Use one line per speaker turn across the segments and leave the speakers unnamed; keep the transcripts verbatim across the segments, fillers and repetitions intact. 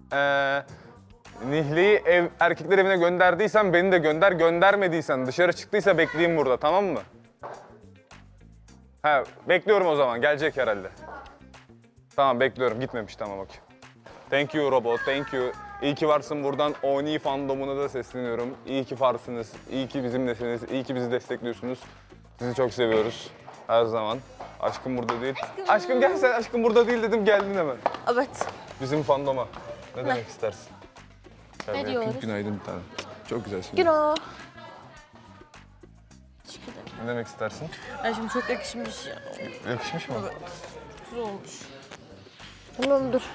Ee, Nihli'yi ev, erkekler evine gönderdiysen beni de gönder. Göndermediysen dışarı çıktıysa bekleyeyim burada, tamam mı? Ha, bekliyorum o zaman. Gelecek herhalde. Tamam, bekliyorum. Gitmemiş, tamam okey. Thank you robot, thank you. İyi ki varsın, buradan Oni fandomuna da sesleniyorum. İyi ki varsınız, iyi ki bizimlesiniz, iyi ki bizi destekliyorsunuz. Sizi çok seviyoruz her zaman. Aşkım burada değil. Aşkım, aşkım gel sen, aşkım burada değil dedim, geldin hemen.
Evet.
Bizim fandoma. Ne, ne? demek istersin?
Ne
Tabii,
diyoruz?
Günaydın bir tane. Çok güzelsin.
Güno. Teşekkür ederim.
Ne demek istersin?
Ay şimdi çok yakışmış ya.
Yakışmış mı?
Evet. Güzel olmuş. Tamam dur.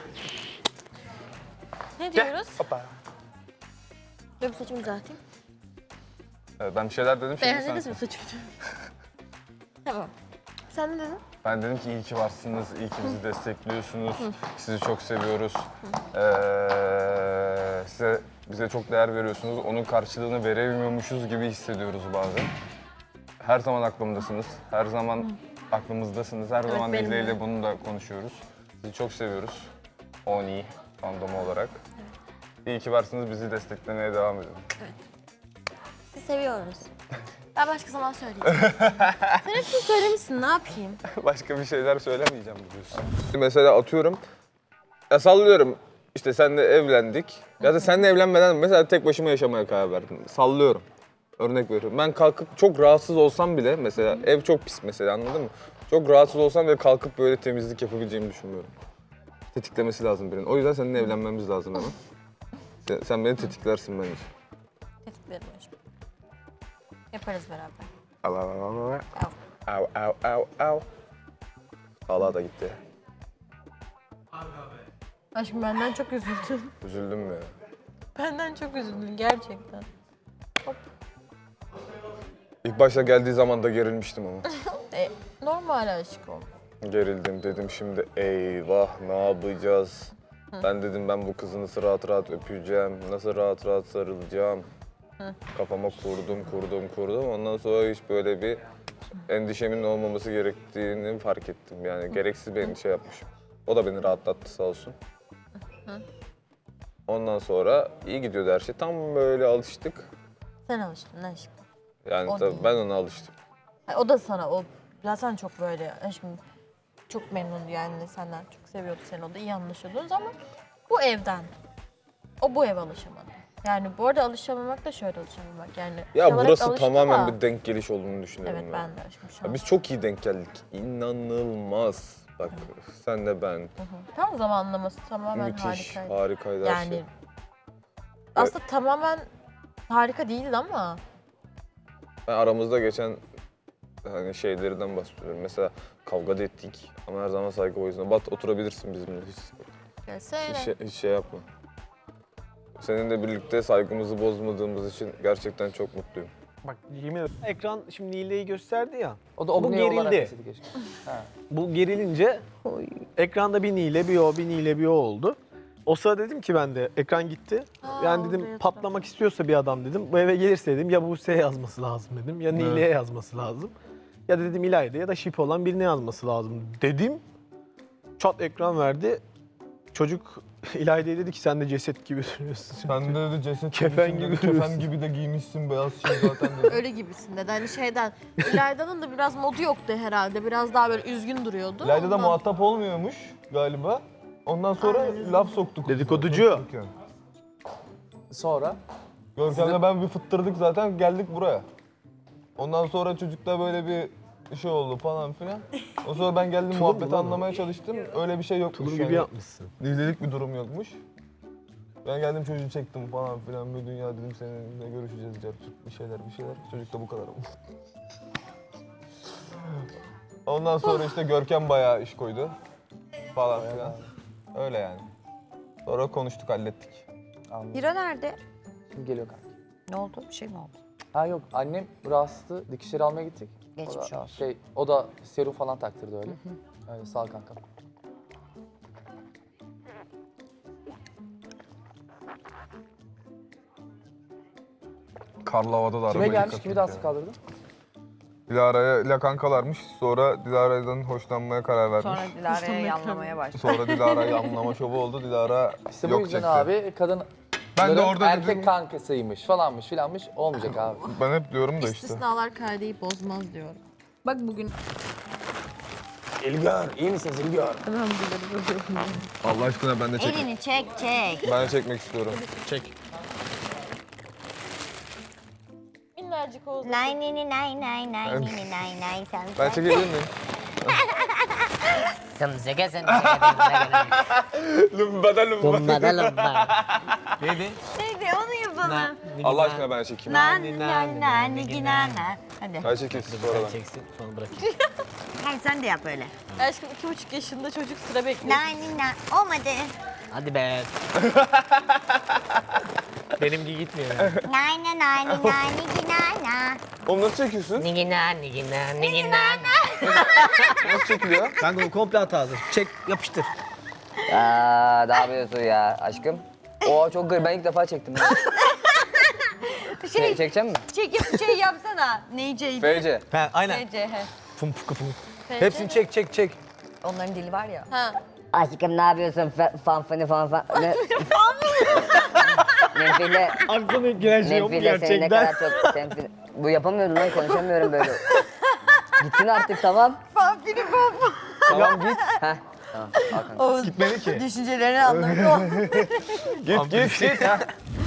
Ne diyoruz?
Hoppa.
Benim saçımı düzelteyim.
Evet, ben bir şeyler dedim şimdi
Beğendiniz
sen.
mi saçımı? Tamam. Sen ne dedin?
Ben dedim ki iyi ki varsınız, iyi ki bizi destekliyorsunuz. Sizi çok seviyoruz. Ee, size bize çok değer veriyorsunuz. Onun karşılığını veremiyormuşuz gibi hissediyoruz bazen. Her zaman aklımdasınız. Her zaman aklımızdasınız. Her
Evet,
zaman
benim
Nihle
de.
ile bunu da konuşuyoruz. Sizi çok seviyoruz. Oni fandomu olarak. İyi ki varsınız. Bizi desteklemeye devam edin.
Sizi seviyoruz. Ben başka zaman söyleyeceğim. Sen hepsini söylemişsin, ne yapayım?
Başka bir şeyler söylemeyeceğim diyorsun. Mesela atıyorum, ya sallıyorum işte seninle evlendik. Ya da seninle evlenmeden mesela tek başıma yaşamaya karar verdim. Sallıyorum. Örnek veriyorum. Ben kalkıp çok rahatsız olsam bile mesela ev çok pis mesela, anladın mı? Çok rahatsız olsam bile kalkıp böyle temizlik yapabileceğimi düşünmüyorum. Tetiklemesi lazım birinin. O yüzden seninle evlenmemiz lazım hemen. Sen, sen beni tetiklersin bence.
Tetiklerim aşkım. Yaparız beraber.
Au au au au.
Au.
Au au au au. Hala da gitti.
Aşkım benden çok üzüldün.
Üzüldüm mü?
Benden çok üzüldün gerçekten.
İlk başta geldiği zaman da gerilmiştim ama.
E, normal aşkım.
Gerildim, dedim şimdi eyvah ne yapacağız? Ben dedim ben bu kızı nasıl rahat rahat öpeceğim, nasıl rahat rahat sarılacağım. Kafama kurdum, kurdum, kurdum. Ondan sonra hiç böyle bir endişemin olmaması gerektiğini fark ettim. Yani gereksiz bir endişe yapmışım. O da beni rahatlattı sağ olsun. Ondan sonra iyi gidiyordu her şey. Tam böyle alıştık.
Sen alıştın aşkım.
Yani
O
tabii
değil.
ben ona alıştım.
Ay, o da sana, o zaten çok böyle aşkım çok memnundu yani senden, çok seviyordu seni, o da iyi anlaşıyordunuz ama bu evden, o bu eve alışamadı. Yani bu arada alışamamak da şöyle alışamamak yani.
Ya
şuralara
burası
alıştı
tamamen
da-
bir denk geliş olduğunu düşünüyorum
Evet
ben.
ben de aşkım şu
Ya
an.
biz çok iyi denk geldik. İnanılmaz. Bak sen de ben.
Tam zamanlaması tamamen
Müthiş,
harikaydı.
harikaydı her
Yani
şey.
aslında tamamen harika değildi ama
Ben aramızda geçen hani şeylerden bahsediyorum. Mesela kavga da ettik ama her zaman saygı o yüzden. Bat oturabilirsin bizimle hiç,
gelsene.
hiç, şey, hiç şey yapma. Seninle birlikte saygımızı bozmadığımız için gerçekten çok mutluyum.
Bak yemin ederim ekran şimdi Nile'yi gösterdi ya.
O da
Bu
obne olarak
gerildi.
deseydi keşke.
Bu gerilince ekranda bir Nile, bir o, bir Nile, bir o oldu. O sırada dedim ki ben de ekran gitti.
Aa,
yani
orada
dedim
yatırım.
patlamak istiyorsa bir adam dedim. Bu eve gelirse dedim ya Buse'ye yazması lazım dedim. Ya Nile'ye yazması lazım. Ya da dedim İlayda ya da şip olan birine yazması lazım dedim. Çat ekran verdi. Çocuk İlayda'ya dedi ki sen de ceset gibi duruyorsun.
Sen de dedi ceset
Kefen gibisin dedi, gibi
Kefen
duruyorsun.
gibi de giymişsin beyaz şey zaten dedi.
Öyle gibisin dedi. Hani şeyden, İlayda'nın da biraz modu yoktu herhalde. Biraz daha böyle üzgün duruyordu.
İlayda da
Ondan-
muhatap olmuyormuş galiba. Ondan sonra
Aynen.
laf soktuk.
Dedikoducu.
Sonra
Görkem'le ben bir fıttırdık zaten, geldik buraya. Ondan sonra çocukla böyle bir şey oldu falan filan. O sonra ben geldim
Tulum
muhabbeti
mu lan o?
anlamaya çalıştım. Öyle bir şey yokmuş.
Tulum
yani.
gibi yapmışsın.
Nihlelik bir durum yokmuş. Ben geldim çocuğu çektim falan filan. Bir dünya dedim seninle görüşeceğiz. Cart, bir şeyler bir şeyler. Çocuk da bu kadar oldu. Ondan sonra işte Görkem bayağı iş koydu. Falan filan. Öyle yani. Sonra konuştuk, hallettik.
anladım.
Hira nerede?
Şimdi geliyor kanka.
Ne oldu? Bir şey mi oldu?
Ha yok annem rahatsızdı. Dikişleri almaya gittik.
Geçmiş
o da,
olsun.
Şey, o da serum falan taktırdı öyle. Öyle sağ ol kanka.
Karlı havada da
Kime
arabaya
gelmiş?
dikkat
Kimi
et
daha
ya.
sık kaldırdın?
Dilara ile kankalarmış. Sonra Dilara'dan hoşlanmaya karar vermiş.
Sonra Dilara'ya yanlamaya başladı.
Sonra Dilara'yı anlama şovu oldu. Dilara
İşte bu
yok
yüzden
çekti.
abi kadın
Ben de
bunların
orada
erkek
dedim-
kankasıymış falanmış filanmış olmayacak abi.
Ben hep diyorum da işte.
İstisnalar kaideyi bozmaz diyorum.
Bak bugün
İlgar, iyi misiniz İlgar?
Allah aşkına ben de çek.
elini çek çek.
Ben de çekmek istiyorum.
Çek.
Minnacık Oğuz.
Nay nay nay nay nay nay nay nay nay sen.
Ben çekebilir miyim?
Sımsıkı sımsıkı sımsıkı.
Lumba lumba.
Lumba da lumba.
Neydi?
Neydi onu yapalım.
Allah aşkına ben çekeyim.
Nani nani nani nani. Hadi.
Ben çekeyim sonra ben.
Çeksin sonra bırakayım.
Hayır sen de yap öyle.
Aşkım iki buçuk yaşında çocuk sıra bekliyor.
Nani nani. Olmadı.
Hadi be.
Benimki gitmiyor yani.
Nani nani nani nani.
Oğlum nasıl çekiyorsun?
Nigina nigina nigina.
Nasıl çekiliyor?
Kanka o komple hata hazır. Çek, yapıştır.
Aa, ne yapıyorsun ya aşkım? Oo çok garip. Ben ilk defa çektim. ya.
Şey,
Çe- çekecek misin?
çekip şey yapsana. Neyceydi?
F C.
He, aynen.
F C. he.
Fum fum fum.
F C
Hepsini çek, çek, çek.
Onların dili var ya.
Ha.
Aşkım ne yapıyorsun? Fa- fan fani fan fan. Ne? Menfiyle,
Aklına giren şey yok mu
menfiyle seni ne kadar
gerçekten?
çok... Senfi... Bu yapamıyordum lan, konuşamıyorum böyle. Gitsin artık, tamam.
Vampiri baba.
Tamam git. Heh. Tamam, al kanka.
Oğuz
Gitmedi ki.
düşüncelerini anlamıyor.
Git git git.